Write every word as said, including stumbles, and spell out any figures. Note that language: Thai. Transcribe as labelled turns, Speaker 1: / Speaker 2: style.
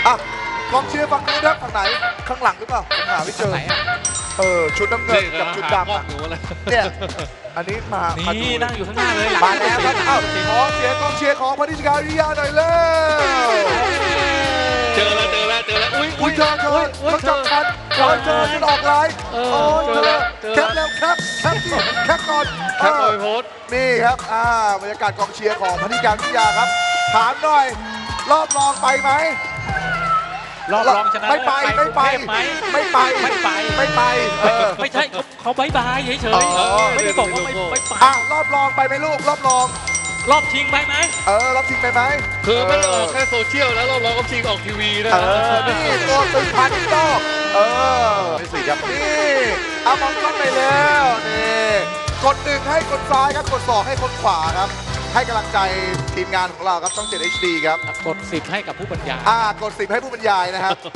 Speaker 1: อ่ะกองเชียร์ฝั่งนู้นครับฝั่งไหนข้างหลังหรือเปล่าผมหาไม่เจอ
Speaker 2: ไหนอ่ะ
Speaker 1: เออชุดน้ำเงินกับชุดดำอะเนี่ยอันนี้มามาดู
Speaker 2: นี่นั่งอยู่ข้างหน้าเลย
Speaker 1: มาแล้วครับอ้าวขอเสียงกองเชียร์ของพนิชกาวิทยาหน่อยเร็ว
Speaker 3: เจอแล้วเจอแล้วเจอแล้วอุ้ย
Speaker 1: อุ้ยเธอเธอเขาจับกันเธอเธอฉันออกไลน์โอ้ยเธอแคปแล้วแคปแคปที่แคปก่อน
Speaker 3: แคปเอาไปโพสต์
Speaker 1: นี่ครับอ่าบรรยากาศกองเชียร์ของพนิชกาวิทยาครับถามหน่อยรอบรองไปไหม
Speaker 2: รอบรองชนะ
Speaker 1: ไม่ไปไม่ไป
Speaker 2: ไหม
Speaker 1: ไม่ไป
Speaker 2: ไม่ไป
Speaker 1: ไม่ไปเออ
Speaker 2: ไม่ใช่เขาเขาบายบายเฉย
Speaker 1: อ๋อ
Speaker 2: ๆไม่ได้บอกว่าไม่ไม่ไป
Speaker 1: อ่ะรอบรองไปไหมลูกรอบรอง
Speaker 2: รอบชิงไปไหม
Speaker 1: เออรอบชิงไปไหม
Speaker 3: คือไม่ได้ออกแค่โซเชียลแล้วเราลองก็ชิงออกทีวีนะ
Speaker 1: เออนี่ตัวตึงพันโตเออนี่สิครับนี่เอามองกล้องไปแล้วนี่กดหนึ่งให้คนซ้ายครับกดสองให้คนขวาครับให้กำลังใจทีมงานของเราครับต้องเจ็ด เอช ดี ครับ
Speaker 2: กดสิบให้กับผู้บรรยาย
Speaker 1: อ่ากดสิบให้ผู้บรรยายนะครับ